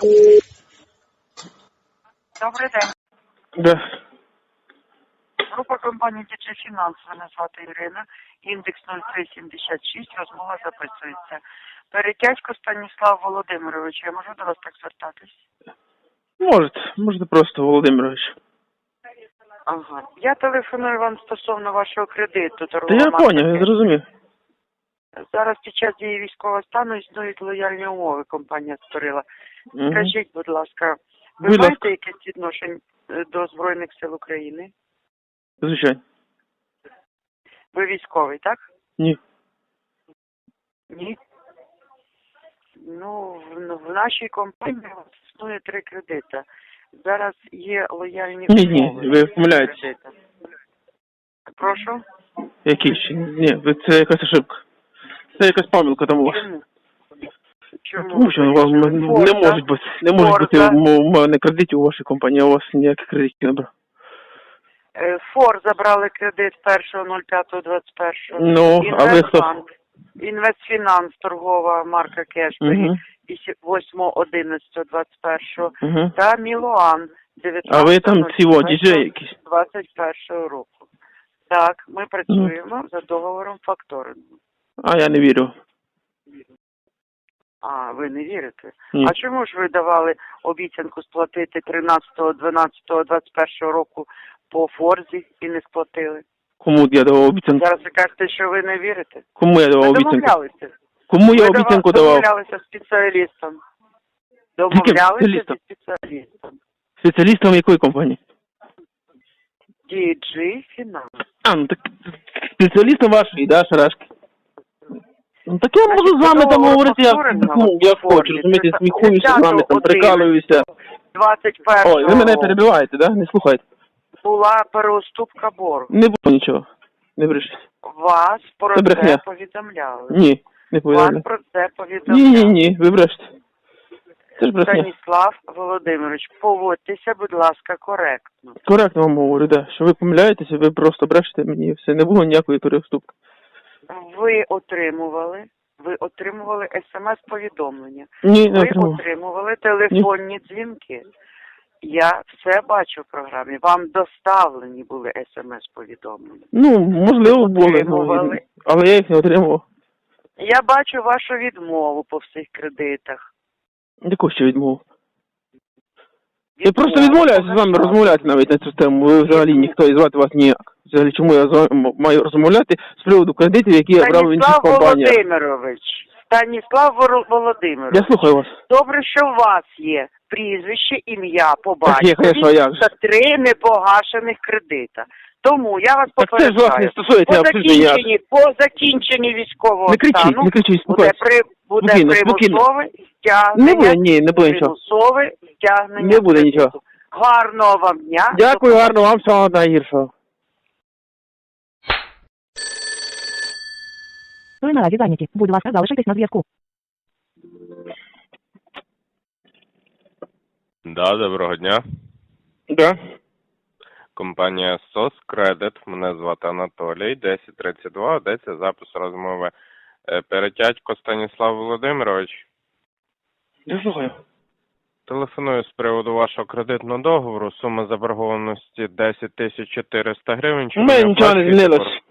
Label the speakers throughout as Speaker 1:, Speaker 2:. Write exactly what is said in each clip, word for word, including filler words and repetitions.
Speaker 1: Добрий день.
Speaker 2: Да.
Speaker 1: Група компанії Ді Джей Фінанс, мене звати Ірина, індекс нуль три сімдесят шість, розмова записується. Перетятько Станіслав Володимирович, я можу до вас так звертатись?
Speaker 2: Можете, можете просто, Володимирович.
Speaker 1: Ага. Я телефоную вам стосовно вашого кредиту.
Speaker 2: Та я поняв, я зрозумів.
Speaker 1: Зараз під час дії військового стану існують лояльні умови, компанія створила.
Speaker 2: Угу.
Speaker 1: Скажіть, будь ласка, ви
Speaker 2: Будь
Speaker 1: маєте
Speaker 2: ласка.
Speaker 1: якесь відношення до Збройних сил України?
Speaker 2: Звичайно.
Speaker 1: Ви військовий, так?
Speaker 2: Ні.
Speaker 1: Ні. Ну, в, в нашій компанії існує три кредити. Зараз є лояльні
Speaker 2: Ні, ні,
Speaker 1: умови.
Speaker 2: ви помиляєтесь.
Speaker 1: Кредити. Прошу?
Speaker 2: Які ще? Ні, ви- це якась ошибка. Це якась помилка там у вас.
Speaker 1: Чому? Чому?
Speaker 2: Тому що вам не
Speaker 1: Форза.
Speaker 2: можуть бути, не можуть бути
Speaker 1: Форза.
Speaker 2: у мене кредитів у вашій компанії, а у вас ніяких кредитів не брав.
Speaker 1: Е, Фор забрали кредит першого нуль п'ятого двадцять першого.
Speaker 2: Ну, а ви хто?
Speaker 1: Інвестбанк. Інвестфінанс, торгова марка Кешбері,
Speaker 2: Угу.
Speaker 1: восьмого одинадцятого двадцять першого.
Speaker 2: Угу.
Speaker 1: Та Мілуан,
Speaker 2: А ви там ці діджеї якісь?
Speaker 1: двадцять першого року. Так, ми працюємо за договором факторингу.
Speaker 2: А я не вірю.
Speaker 1: А, ви не вірите?
Speaker 2: Ні.
Speaker 1: А чому ж ви давали обіцянку сплатити тринадцятого дванадцятого двадцять першого року по Форзі і не сплатили?
Speaker 2: Кому я давав обіцянку?
Speaker 1: Зараз ви кажете, що ви не вірите?
Speaker 2: Кому я давав
Speaker 1: Ви
Speaker 2: обіцянку?
Speaker 1: домовлялися.
Speaker 2: Кому я
Speaker 1: Ви
Speaker 2: обіцянку
Speaker 1: дава-
Speaker 2: давав?
Speaker 1: домовлялися з спеціалістом. Домовлялися
Speaker 2: спеціалістом?
Speaker 1: зі спеціалістом.
Speaker 2: Спеціалістом якої компанії?
Speaker 1: Ді Джей Фінанс.
Speaker 2: А, ну так спеціалістом вашої, да, Шарашки? Ну так я можу з вами там
Speaker 1: Договор
Speaker 2: говорити, я,
Speaker 1: повторено
Speaker 2: ну, я
Speaker 1: в формі.
Speaker 2: хочу, розумієте, сміхуюся з вами, там прикалуюся.
Speaker 1: двадцять першого
Speaker 2: Ой, ви мене перебиваєте, да? Не слухайте.
Speaker 1: була переуступка боргу.
Speaker 2: Не було нічого. Не брешіть.
Speaker 1: Вас про
Speaker 2: Це брехня.
Speaker 1: це повідомляли.
Speaker 2: Ні, не
Speaker 1: Вас
Speaker 2: повідомляю.
Speaker 1: про це повідомляли.
Speaker 2: Ні, ні, ні, ви брешете. Це ж брехня.
Speaker 1: Станіслав Володимирович, поводьтеся, будь ласка, коректно.
Speaker 2: Коректно вам говорю, да. Що ви помиляєтеся, ви просто брешете мені і все. Не було ніякої переуступки.
Speaker 1: Ви отримували, ви отримували смс-повідомлення.
Speaker 2: Ні, не
Speaker 1: Ви
Speaker 2: отримав.
Speaker 1: отримували телефонні дзвінки. Я все бачу в програмі. Вам доставлені були смс-повідомлення.
Speaker 2: Ну, можливо, були, ну,
Speaker 1: Отримували.
Speaker 2: але я їх не отримував.
Speaker 1: Я бачу вашу відмову по всіх кредитах.
Speaker 2: Яку ще відмову? Я
Speaker 1: Відмову
Speaker 2: просто відмовляюся з вами
Speaker 1: по
Speaker 2: розмовляти навіть на цю тему. Ви взагалі ніхто і звати вас ніяк. Взагалі, чому я з вами м- маю розмовляти з приводу кредитів, які я брав в інших
Speaker 1: Станіслав
Speaker 2: компаніях?
Speaker 1: Володимирович. Станіслав Вор- Володимирович.
Speaker 2: Я слухаю вас.
Speaker 1: Добре, що у вас є прізвище, ім'я, по
Speaker 2: Так є, конечно,
Speaker 1: батькові
Speaker 2: як же.
Speaker 1: та три непогашених кредита. Тому я вас
Speaker 2: Так це ж вас
Speaker 1: попереджаю.
Speaker 2: не стосується
Speaker 1: по
Speaker 2: абсолютно ніяк.
Speaker 1: закінченні, по закінченні військового
Speaker 2: Не кричіть,
Speaker 1: стану
Speaker 2: не кричіть,
Speaker 1: буде,
Speaker 2: спокійно.
Speaker 1: при, буде
Speaker 2: Спокійно, спокійно.
Speaker 1: примусове
Speaker 2: Не
Speaker 1: стягнення,
Speaker 2: буде, ні, не буде нічого.
Speaker 1: примусове стягнення.
Speaker 2: Не буде
Speaker 1: кредиту.
Speaker 2: нічого.
Speaker 1: Гарного вам дня.
Speaker 2: Дякую, гарно вам, всього найгіршого.
Speaker 3: Ви наразі зайняті. Будь ласка, залишайтесь на зв'язку.
Speaker 4: Да, доброго дня.
Speaker 2: Да.
Speaker 4: Компанія сос Кредит. Мене звати Анатолій. десять тридцять два. Йдеться запис розмови. Е, Перетятько Станіслав Володимирович.
Speaker 2: Я слухаю.
Speaker 4: Телефоную з приводу вашого кредитного договору. Сума заборгованості десять тисяч чотириста гривень.
Speaker 2: У
Speaker 4: Чому
Speaker 2: мене нічого не
Speaker 4: оплачуєте
Speaker 2: змінилось.
Speaker 4: борг?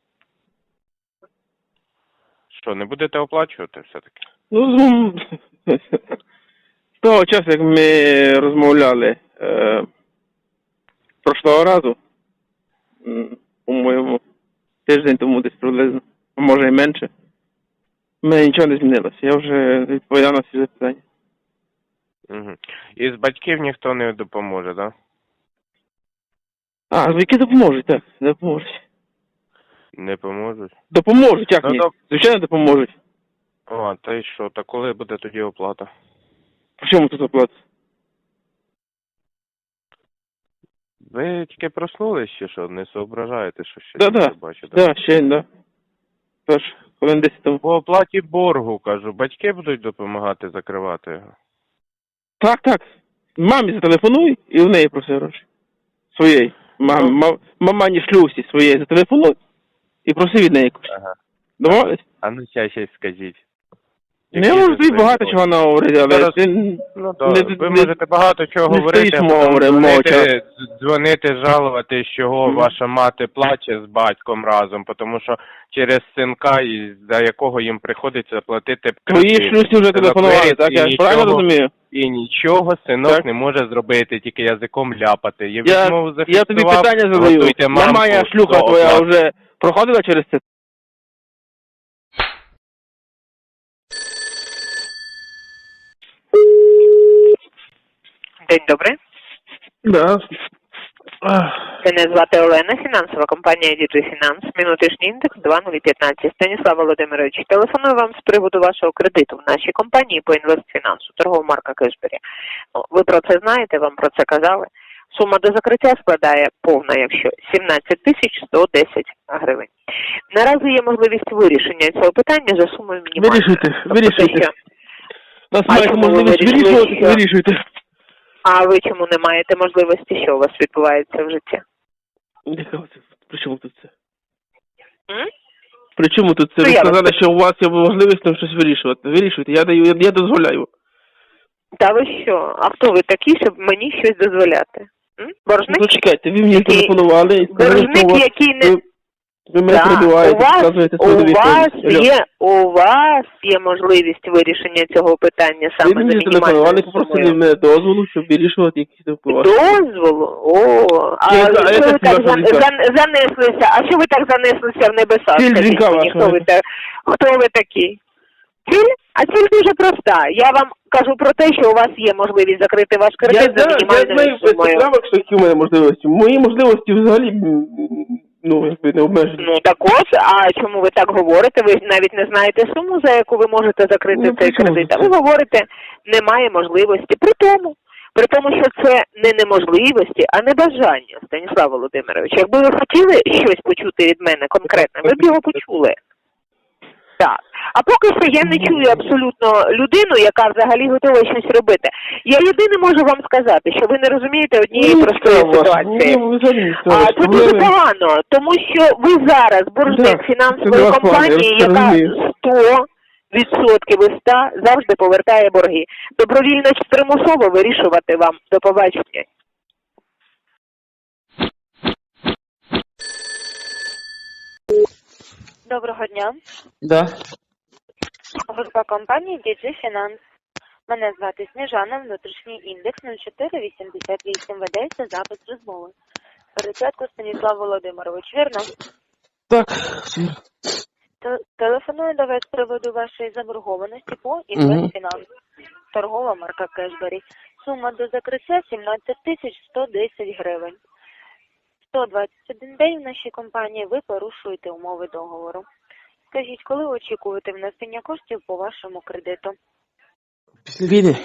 Speaker 4: Що, не будете оплачувати все-таки?
Speaker 2: Ну, з з того часу, як ми розмовляли е, прошлого разу, м, по-моєму, тиждень тому десь приблизно, а може і менше, в мене нічого не змінилося. Я вже відповідав на всі запитання.
Speaker 4: Угу. І з батьків ніхто не допоможе, так? Да?
Speaker 2: А, які допоможуть, так, допоможуть.
Speaker 4: Не поможуть?
Speaker 2: Допоможуть, як
Speaker 4: Ну,
Speaker 2: ні?
Speaker 4: доп-
Speaker 2: Звичайно, допоможуть.
Speaker 4: О, та й що? Та коли буде тоді оплата?
Speaker 2: По чому тут оплата?
Speaker 4: Ви тільки проснулись чи що? Не соображаєте, що ще
Speaker 2: Да-да,
Speaker 4: не бачите?
Speaker 2: да, ще, да. Тож, хвилин десять тому.
Speaker 4: По оплаті боргу, кажу, батьки будуть допомагати закривати його.
Speaker 2: Так, так. Мамі зателефонуй і в неї проси гроші. Своєї. Мам, ма, мамані шлюсі своєї зателефонуй і проси від неї кошти.
Speaker 4: Ага.
Speaker 2: Домовились?
Speaker 4: А ну ще щось скажіть.
Speaker 2: Не можу тобі багато чого наговорити, але
Speaker 4: Зараз-
Speaker 2: ти
Speaker 4: Ну,
Speaker 2: не-
Speaker 4: так, ви
Speaker 2: не-
Speaker 4: можете багато чого
Speaker 2: не
Speaker 4: говорити,
Speaker 2: стоїш
Speaker 4: а потім
Speaker 2: мовча.
Speaker 4: дзвонити, дзвонити, жалувати, чого
Speaker 2: Мгм.
Speaker 4: ваша мати плаче з батьком разом, тому що через синка, і за якого їм приходиться платити
Speaker 2: твої
Speaker 4: кредит.
Speaker 2: шлюсі вже
Speaker 4: Синок
Speaker 2: телефонували,
Speaker 4: виріс,
Speaker 2: так?
Speaker 4: і
Speaker 2: Я ж правильно
Speaker 4: нічого-
Speaker 2: розумію?
Speaker 4: І нічого синок
Speaker 2: Так.
Speaker 4: не може зробити, тільки язиком ляпати. Я,
Speaker 2: Я,
Speaker 4: відмову
Speaker 2: я тобі
Speaker 4: зафіксував,
Speaker 2: питання задаю.
Speaker 4: готуйте мамку
Speaker 2: Мамая шлюха
Speaker 4: до
Speaker 2: твоя
Speaker 4: оплати.
Speaker 2: вже проходила через це?
Speaker 5: День добрий.
Speaker 2: Да.
Speaker 5: Мене звати Олена, фінансова компанія ді джей Finance, внутрішній індекс два нуль один п'ять. Станіслав Володимирович, телефоную вам з приводу вашого кредиту в нашій компанії по інвестфінансу, торгова марка Кешбері. Ну, ви про це знаєте, вам про це казали. Сума до закриття складає повна, якщо сімнадцять тисяч сто десять гривень. Наразі є можливість вирішення цього питання за сумою мінімальною.
Speaker 2: Вирішуйте,
Speaker 5: Тобто
Speaker 2: вирішуйте.
Speaker 5: те, що-
Speaker 2: У нас
Speaker 5: А
Speaker 2: маєте
Speaker 5: чому ви
Speaker 2: можливість
Speaker 5: вирішили,
Speaker 2: вирішувати,
Speaker 5: що-
Speaker 2: вирішуйте.
Speaker 5: А ви чому не маєте можливості, що у вас відбувається в житті?
Speaker 2: Яка це? При чому тут це?
Speaker 5: М?
Speaker 2: При чому тут це?
Speaker 5: Ну,
Speaker 2: Ви
Speaker 5: я вас
Speaker 2: сказали, що у вас є можливість там щось вирішувати. Вирішуйте, я даю, я, я дозволяю.
Speaker 5: Та ви що? А хто ви такі, щоб мені щось дозволяти? М? Боржник?
Speaker 2: Ну чекайте, ви мені
Speaker 5: Який-
Speaker 2: телефонували і сказали, що у
Speaker 5: Боржник,
Speaker 2: вас...
Speaker 5: який не...
Speaker 2: Ви, ви мене
Speaker 5: Да,
Speaker 2: перебиваєте,
Speaker 5: у вас,
Speaker 2: показуєте
Speaker 5: у
Speaker 2: свою
Speaker 5: вас
Speaker 2: відповідь.
Speaker 5: є, у вас є можливість вирішення цього питання
Speaker 2: Ви
Speaker 5: саме за
Speaker 2: мені телефонували,
Speaker 5: мінімальною
Speaker 2: попросили
Speaker 5: сумою.
Speaker 2: мене дозволу, щоб вирішувати якісь там ваші.
Speaker 5: Дозволу? О, а
Speaker 2: Я- а
Speaker 5: що
Speaker 2: яка
Speaker 5: ви так
Speaker 2: ваша
Speaker 5: зан-
Speaker 2: ліка?
Speaker 5: зан- занеслися? А що ви так занеслися в небеса?
Speaker 2: Ціль
Speaker 5: Скажіть
Speaker 2: дзвінка
Speaker 5: мені,
Speaker 2: вашого.
Speaker 5: хто ви, та- хто ви такі? Ціль? А ціль дуже проста. Я вам кажу про те, що у вас є можливість закрити ваш
Speaker 2: Я
Speaker 5: кредит за
Speaker 2: знаю, я
Speaker 5: мінімальною
Speaker 2: знаю без
Speaker 5: сумою.
Speaker 2: поправок, що які у мене можливості. Мої можливості взагалі, м, ну, якби не обмежені.
Speaker 5: Ну так ось, а чому ви так говорите? Ви навіть не знаєте суму, за яку ви можете закрити
Speaker 2: Ну,
Speaker 5: цей
Speaker 2: при чому
Speaker 5: кредит. А
Speaker 2: це?
Speaker 5: ви говорите, немає можливості. При тому, при тому, що це не неможливості, а небажання, Станіслав Володимирович. Якби ви хотіли щось почути від мене конкретне, ви б його почули. Так. А поки що я не чую абсолютно людину, яка взагалі готова щось робити. Я єдине можу вам сказати, що ви не розумієте однієї простої ситуації.
Speaker 2: Ні, взагалі не
Speaker 5: А
Speaker 2: справа.
Speaker 5: це дуже погано, тому що ви зараз боржник
Speaker 2: Да,
Speaker 5: фінансової
Speaker 2: це до вас
Speaker 5: компанії,
Speaker 2: пане, я
Speaker 5: яка
Speaker 2: розумію.
Speaker 5: сто відсотків із ста завжди повертає борги. Добровільно чи примусово вирішувати вам. До побачення.
Speaker 6: Доброго дня.
Speaker 2: Да.
Speaker 6: Група компанії ді джей Finance. Мене звати Сніжана, внутрішній індекс нуль чотири вісімдесят вісім. Ведеться запис розмови. Перечатку Станіслав Володимирович, вірно?
Speaker 2: Так.
Speaker 6: Те- Телефоную до вас з приводу вашої заборгованості по інвестфінанс. Торгова марка Кешбері. Сума до закриття сімнадцять тисяч сто десять гривень. сто двадцять один день в нашій компанії ви порушуєте умови договору. Скажіть, коли очікуєте внесення коштів по вашому кредиту?
Speaker 7: Після війни.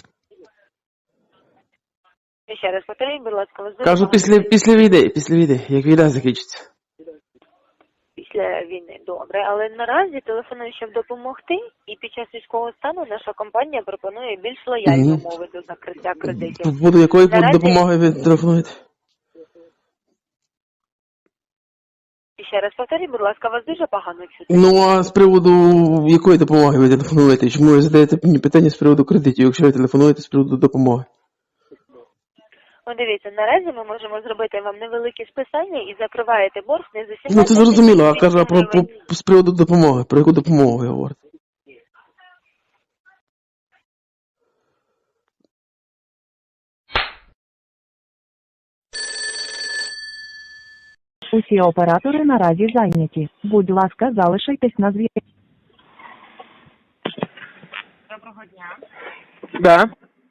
Speaker 6: І ще раз повторіть, будь ласка, ви
Speaker 7: Кажу, після, після війни, після війни, як війна закінчиться.
Speaker 6: після війни. Добре, але наразі телефоную, щоб допомогти, і під час військового стану наша компанія пропонує більш лояльні
Speaker 7: Мгм.
Speaker 6: умови до закриття кредитів.
Speaker 7: По поводу якої
Speaker 6: Наразі-
Speaker 7: допомоги ви телефонуєте?
Speaker 6: І ще раз повторіть, будь ласка, вас дуже погано чути.
Speaker 7: Ну, а з приводу якої допомоги ви телефонуєте? Чому ви задаєте мені питання з приводу кредитів, якщо ви телефонуєте з приводу допомоги?
Speaker 6: Ну, дивіться, наразі ми можемо зробити вам невелике списання і закриваєте борг не за сімнадцять
Speaker 7: Ну, це зрозуміло, а
Speaker 6: тисяч
Speaker 7: кажу, а про, про,
Speaker 6: гривень.
Speaker 7: з приводу допомоги. Про яку допомогу ви говорите?
Speaker 3: Усі оператори наразі зайняті. Будь ласка, залишайтесь на зв'язку.
Speaker 6: Доброго дня.
Speaker 2: Да.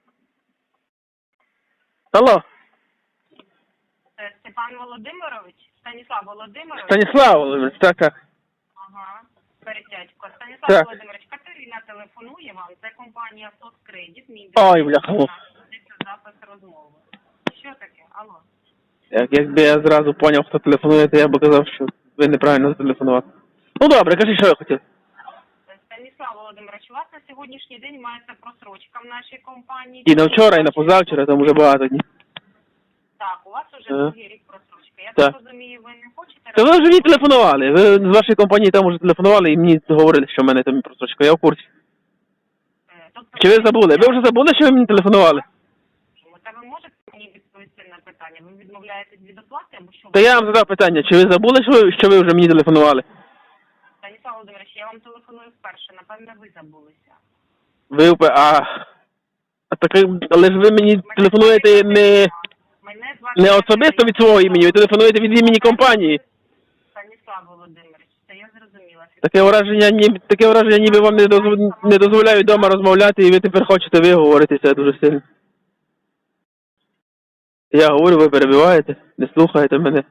Speaker 2: Алло,
Speaker 6: Це Степан Володимирович, Станіслав Володимирович.
Speaker 2: Станіслав Володимирович, так, так.
Speaker 6: Ага, перетячко. Станіслав
Speaker 2: Так.
Speaker 6: Володимирович, Катерина телефонує вам. Це компанія «Соцкредит». Мій
Speaker 2: Ой, бляха.
Speaker 6: Це запис розмови. Що таке? Алло.
Speaker 2: Як, якби я зразу поняв, хто телефонує, то я б казав, що ви неправильно зателефонували. Ну добре, кажи, що я хотів.
Speaker 6: Станіслав Володимирович, у вас на сьогоднішній день мається просрочка в нашій компанії.
Speaker 2: І на вчора, і на позавчора, там вже багато днів.
Speaker 6: Так, у вас уже
Speaker 2: Ага.
Speaker 6: другий рік просрочка. Я
Speaker 2: Так.
Speaker 6: так розумію, ви не хочете...
Speaker 2: Та ви вже мені телефонували. Ви з вашої компанії там вже телефонували і мені говорили, що в мене там просрочка. Я в курсі. Чи ви забули? Ви вже забули, що ви мені телефонували?
Speaker 8: Та ви можете мені відповісти на питання? Ви відмовляєтесь від оплати або що?
Speaker 2: Та я вам задав питання, чи ви забули, що ви, що ви вже мені телефонували?
Speaker 8: Станіслав Володимирович, я вам телефоную вперше, напевно, ви забулися.
Speaker 2: Ви впе- а, а так, але ж ви мені телефонуєте не,
Speaker 8: Мене звати
Speaker 2: не особисто від свого імені, ви телефонуєте від імені компанії.
Speaker 8: Станіслав Володимирович, це я зрозуміла.
Speaker 2: Таке враження, ні, таке враження, ніби вам не, дозв, не дозволяють вдома розмовляти, і ви тепер хочете виговоритися дуже сильно. Я говорю, ви перебиваєте, не слухаєте мене.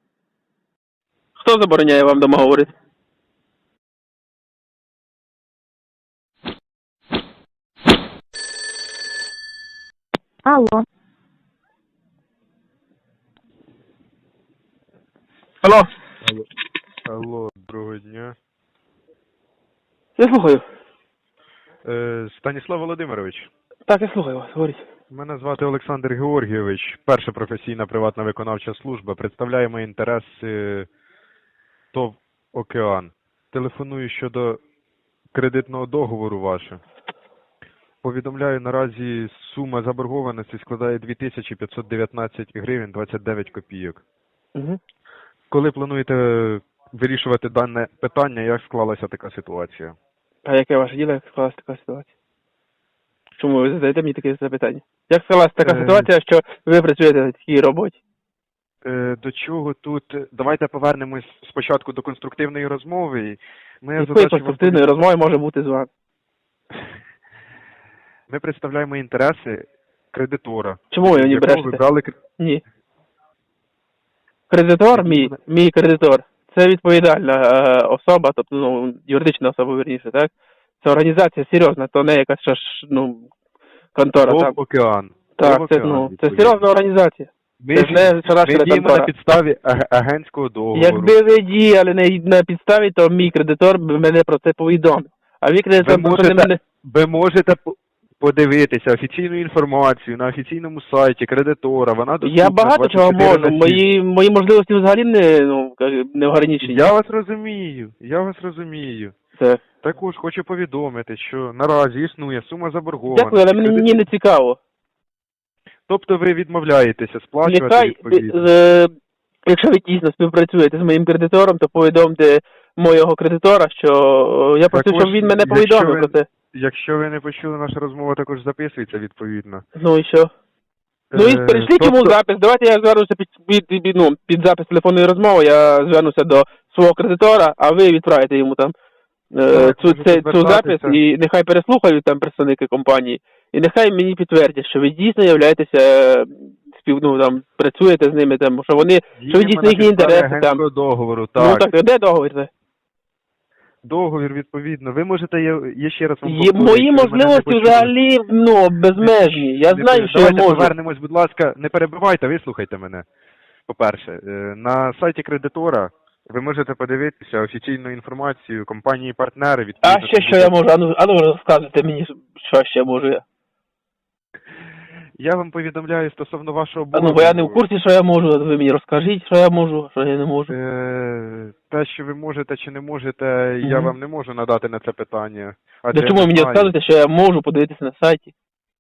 Speaker 2: Хто забороняє вам вдома говорити?
Speaker 3: Алло.
Speaker 2: Алло,
Speaker 9: Алло, алло, доброго дня.
Speaker 2: я слухаю.
Speaker 9: Е, Станіслав Володимирович,
Speaker 2: Так, я слухаю вас, говоріть.
Speaker 9: мене звати Олександр Георгійович, перша професійна приватна виконавча служба. Представляємо інтереси ТОВ «Океан». Телефоную щодо кредитного договору ваше. Повідомляю, наразі сума заборгованості складає дві тисячі п'ятсот дев'ятнадцять гривень двадцять дев'ять копійок.
Speaker 2: Угу.
Speaker 9: Коли плануєте вирішувати дане питання, як склалася така ситуація?
Speaker 2: А яке ваше діло, як склалася така ситуація? Чому ви задаєте мені таке запитання? Як склалася така
Speaker 9: Е,
Speaker 2: ситуація, що ви працюєте на такій роботі?
Speaker 9: Е, До чого тут? Давайте повернемось спочатку до конструктивної розмови. Моя
Speaker 2: Якої
Speaker 9: задача
Speaker 2: конструктивної
Speaker 9: вам-
Speaker 2: розмови може бути з вами?
Speaker 9: Ми представляємо інтереси кредитора.
Speaker 2: Чому ви мені
Speaker 9: якого ви
Speaker 2: брешете?
Speaker 9: брали кр-
Speaker 2: Ні. Кредитор мій, мій кредитор, це відповідальна е, особа, тобто ну, юридична особа, вірніше, так? Це організація серйозна, то не якась ще ж, ну, контора.
Speaker 9: ТОВ
Speaker 2: Там.
Speaker 9: «Океан».
Speaker 2: Так,
Speaker 9: ТОВ
Speaker 2: це,
Speaker 9: «Океан»,
Speaker 2: ну, це
Speaker 9: відповідно.
Speaker 2: серйозна організація.
Speaker 9: Ми,
Speaker 2: це ж не
Speaker 9: ми
Speaker 2: шарашена
Speaker 9: діємо
Speaker 2: контора.
Speaker 9: на підставі аг- агентського договору.
Speaker 2: Якби ви діяли на, на підставі, то мій кредитор би мене про це повідомив. А ви кредитор
Speaker 9: Ви
Speaker 2: просто не
Speaker 9: можете-
Speaker 2: мене...
Speaker 9: Ви можете по- подивитися офіційну інформацію на офіційному сайті кредитора. Вона доступна
Speaker 2: Я багато чого
Speaker 9: двадцять чотири
Speaker 2: можу.
Speaker 9: на сім.
Speaker 2: Мої, мої можливості взагалі не, ну, не ограничені.
Speaker 9: Я вас розумію, я вас розумію.
Speaker 2: Це.
Speaker 9: Також хочу повідомити, що наразі існує сума заборгованості.
Speaker 2: Дякую, але мені, мені не цікаво.
Speaker 9: Тобто ви відмовляєтеся сплачувати
Speaker 2: Нехай,
Speaker 9: відповідно.
Speaker 2: е, якщо ви дійсно співпрацюєте з моїм кредитором, то повідомте моєго кредитора, що е, я просив,
Speaker 9: Також,
Speaker 2: щоб він мене
Speaker 9: якщо
Speaker 2: повідомив
Speaker 9: ви-
Speaker 2: про це.
Speaker 9: Якщо ви не почули, наша розмова також записується відповідно.
Speaker 2: Ну і що? Ну і
Speaker 9: Е,
Speaker 2: перейшліть йому
Speaker 9: тобто-
Speaker 2: запис. Давайте я звернуся під, під, під, ну, під запис телефонної розмови, я звернуся до свого кредитора, а ви відправите йому там е,
Speaker 9: Так,
Speaker 2: цю,
Speaker 9: можете
Speaker 2: цей, цю запис,
Speaker 9: звертатися.
Speaker 2: і нехай переслухають там представники компанії, і нехай мені підтвердять, що ви дійсно являєтеся е, спів, ну, там, працюєте з ними, там, що вони, що ви
Speaker 9: Діємо
Speaker 2: дійсно
Speaker 9: на
Speaker 2: їхні
Speaker 9: підставі
Speaker 2: інтереси там.
Speaker 9: агентського договору,
Speaker 2: Ну
Speaker 9: так.
Speaker 2: так, де договір це?
Speaker 9: Договір відповідно. Ви можете, я, я ще раз вам
Speaker 2: Є,
Speaker 9: повторюю,
Speaker 2: мої
Speaker 9: якщо ви мене не
Speaker 2: можливості
Speaker 9: почули.
Speaker 2: взагалі, ну, безмежні. Я
Speaker 9: Не
Speaker 2: знаю,
Speaker 9: пере-
Speaker 2: що я
Speaker 9: Давайте
Speaker 2: можу.
Speaker 9: повернемось, будь ласка, не перебивайте, вислухайте мене. По-перше, е, на сайті кредитора ви можете подивитися офіційну інформацію компанії-партнери.
Speaker 2: А
Speaker 9: відповідно,
Speaker 2: ще що я можу? Ану, ану розказуйте мені, що ще можу я.
Speaker 9: Я вам повідомляю стосовно вашого
Speaker 2: А
Speaker 9: боргу.
Speaker 2: ну, бо я не в курсі, що я можу. Ви мені розкажіть, що я можу, що я не можу.
Speaker 9: Е, Те, що ви можете чи не можете, я
Speaker 2: Мгм.
Speaker 9: вам не можу надати на це питання.
Speaker 2: Для
Speaker 9: адже
Speaker 2: чому
Speaker 9: я
Speaker 2: ви
Speaker 9: не
Speaker 2: мені
Speaker 9: знаю.
Speaker 2: розказуєте, що я можу подивитися на сайті?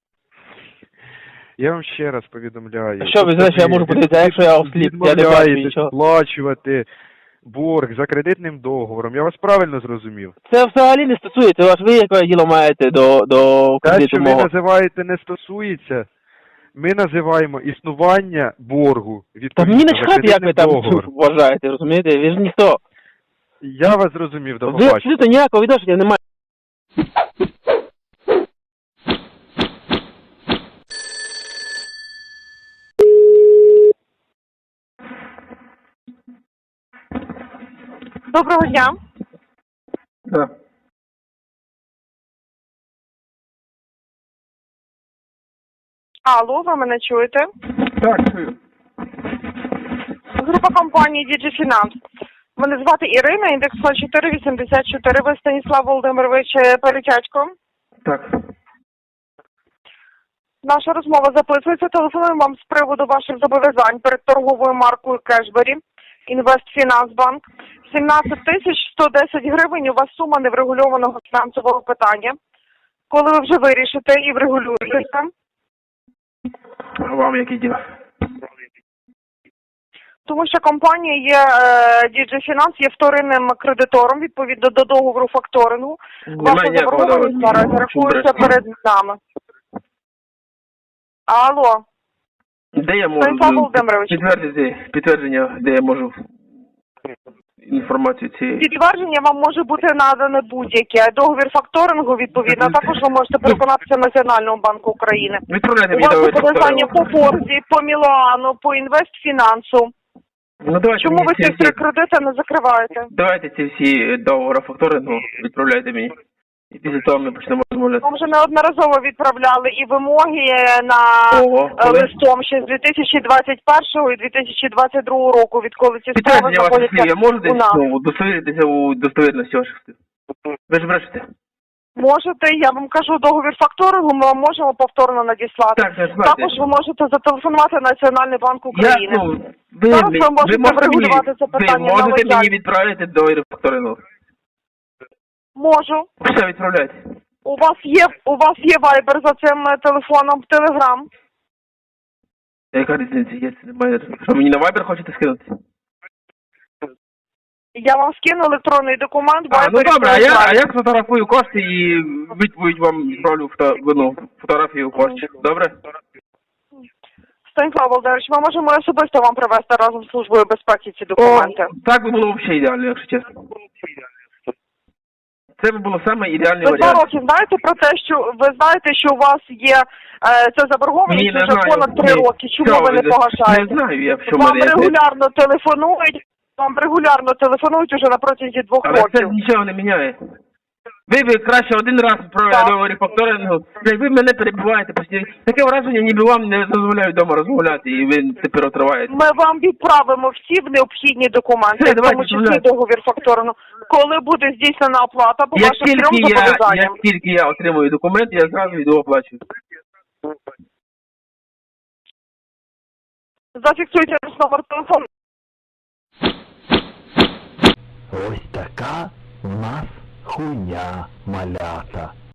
Speaker 9: Я вам ще раз повідомляю.
Speaker 2: А що ви знаєте, що я можу подивитися, а якщо я осліп, я не бачу
Speaker 9: відмовляєтесь
Speaker 2: нічого.
Speaker 9: сплачувати борг за кредитним договором. Я вас правильно зрозумів?
Speaker 2: Це взагалі не стосується вас. Ви яке діло маєте до, до
Speaker 9: Те,
Speaker 2: кредиту
Speaker 9: що ви
Speaker 2: мого?
Speaker 9: називаєте не стосується, ми називаємо існування боргу
Speaker 2: Та
Speaker 9: відповідно
Speaker 2: мені
Speaker 9: за
Speaker 2: начхати, як ви
Speaker 9: кредитним
Speaker 2: там
Speaker 9: договором.
Speaker 2: вважаєте, розумієте? Ви ж ніхто.
Speaker 9: Я вас зрозумів, до
Speaker 2: Ви
Speaker 9: побачення.
Speaker 2: абсолютно ніякого відношення не маєте.
Speaker 5: Доброго дня.
Speaker 2: Да.
Speaker 5: Алло, ви мене чуєте?
Speaker 2: Так, чую.
Speaker 5: Група компанії «Діджіфінанс». Мене звати Ірина, індекс нуль чотири вісімдесят чотири. Ви Станіслав Володимирович Перетячко.
Speaker 2: Так.
Speaker 5: Наша розмова записується. Телефонуємо вам з приводу ваших зобов'язань перед торговою маркою Кешбері, Інвестфінансбанк. сімнадцять тисяч сто десять гривень у вас сума неврегульованого фінансового питання.
Speaker 1: Коли ви вже вирішите і врегулюєтеся?
Speaker 7: А вам які діла?
Speaker 1: Тому що компанія є, е, ді джей Finance є вторинним кредитором відповідно до договору факторингу. Ваша
Speaker 7: Немає ніякого
Speaker 1: заборгованість
Speaker 7: договору.
Speaker 1: наразі рахується перед нами. Алло,
Speaker 7: Де я можу
Speaker 1: Станіслав Володимирович.
Speaker 7: підтвердити підтвердження, де я можу інформацію цієї?
Speaker 1: підтвердження вам може бути надане будь-яке. Договір факторингу, відповідно, а також ви можете переконатися в Національному банку України.
Speaker 7: Відправляйте
Speaker 1: У
Speaker 7: мені
Speaker 1: вас є
Speaker 7: договір
Speaker 1: подання по
Speaker 7: факторингу.
Speaker 1: Форзі, по Мілану, по Інвестфінансу.
Speaker 7: Ну давайте
Speaker 1: Чому
Speaker 7: мені
Speaker 1: ви
Speaker 7: ці
Speaker 1: ці три
Speaker 7: всі,
Speaker 1: кредити не закриваєте?
Speaker 7: давайте ці всі договори факторингу відправляйте мені. І після того ми почнемо розмовляти.
Speaker 1: Вам вже неодноразово відправляли і вимоги на
Speaker 7: Ого,
Speaker 1: е,
Speaker 7: коли?
Speaker 1: листом ще з дві тисячі двадцять першого і дві тисячі двадцять другого року, відколи ці справи
Speaker 7: Підтвердження ваших слів,
Speaker 1: знаходяться
Speaker 7: я можу
Speaker 1: у
Speaker 7: десь
Speaker 1: нас.
Speaker 7: ну, удостовіритися у достовірності ваших слів? Ви ж брешете?
Speaker 1: Можете, я вам кажу, договір факторингу ми вам можемо повторно надіслати.
Speaker 7: Так, так,
Speaker 1: Також ви можете зателефонувати в Національний банк
Speaker 7: Я,
Speaker 1: України.
Speaker 7: ну, ви,
Speaker 1: Зараз
Speaker 7: ви,
Speaker 1: ви можете
Speaker 7: можете мені,
Speaker 1: врегулювати це
Speaker 7: ви
Speaker 1: питання на
Speaker 7: можете мені
Speaker 1: лояльність.
Speaker 7: відправити договір факторингу?
Speaker 1: Можу.
Speaker 7: Все, відправляйте.
Speaker 1: У вас є у вас є вайбер за цим е, телефоном в Телеграм.
Speaker 7: Яка різниця є? Це немає. Що, мені на Viber хочете скинути?
Speaker 1: Я вам скину електронний документ,
Speaker 7: А, ну
Speaker 1: вайбер.
Speaker 7: добре, а я, а я сфотографую кошти і відповідь вам зроблю фото, ну, фотографію коштів. Добре?
Speaker 1: Станіслав Володимирович, ми можемо особисто вам привезти разом з Службою безпеки ці документи.
Speaker 7: О, так би було взагалі ідеально, якщо чесно. Це би було саме ідеальний
Speaker 1: Ви два
Speaker 7: варіант.
Speaker 1: роки знаєте про те, що ви знаєте, що у вас є е, ця заборгованість
Speaker 7: Ні, не
Speaker 1: вже
Speaker 7: знаю.
Speaker 1: понад три
Speaker 7: Ні.
Speaker 1: роки. Чому
Speaker 7: Що
Speaker 1: ви не
Speaker 7: ви-
Speaker 1: погашаєте?
Speaker 7: Не знаю, я в чому
Speaker 1: Вам
Speaker 7: мене.
Speaker 1: регулярно телефонують, вам регулярно телефонують уже на протязі двох
Speaker 7: Але це
Speaker 1: років.
Speaker 7: нічого не міняє. Ви б краще один раз про
Speaker 1: Так.
Speaker 7: договорі факторингу, як ви мене перебуваєте постійно. Таке враження, ніби вам не дозволяють вдома розмовляти, і ви тепер отриваєте.
Speaker 1: Ми вам відправимо всі необхідні документи,
Speaker 7: Все,
Speaker 1: в тому
Speaker 7: давайте,
Speaker 1: числі
Speaker 7: домовляйтесь.
Speaker 1: договір факторингу. Коли буде здійснена оплата по
Speaker 7: Як
Speaker 1: вашим трьом
Speaker 7: тільки я,
Speaker 1: зобов'язанням.
Speaker 7: як тільки я отримую документ, я зразу йду оплачую.
Speaker 1: Зафіксуйте наш номер телефону.
Speaker 10: Ось така в нас хуйня малята.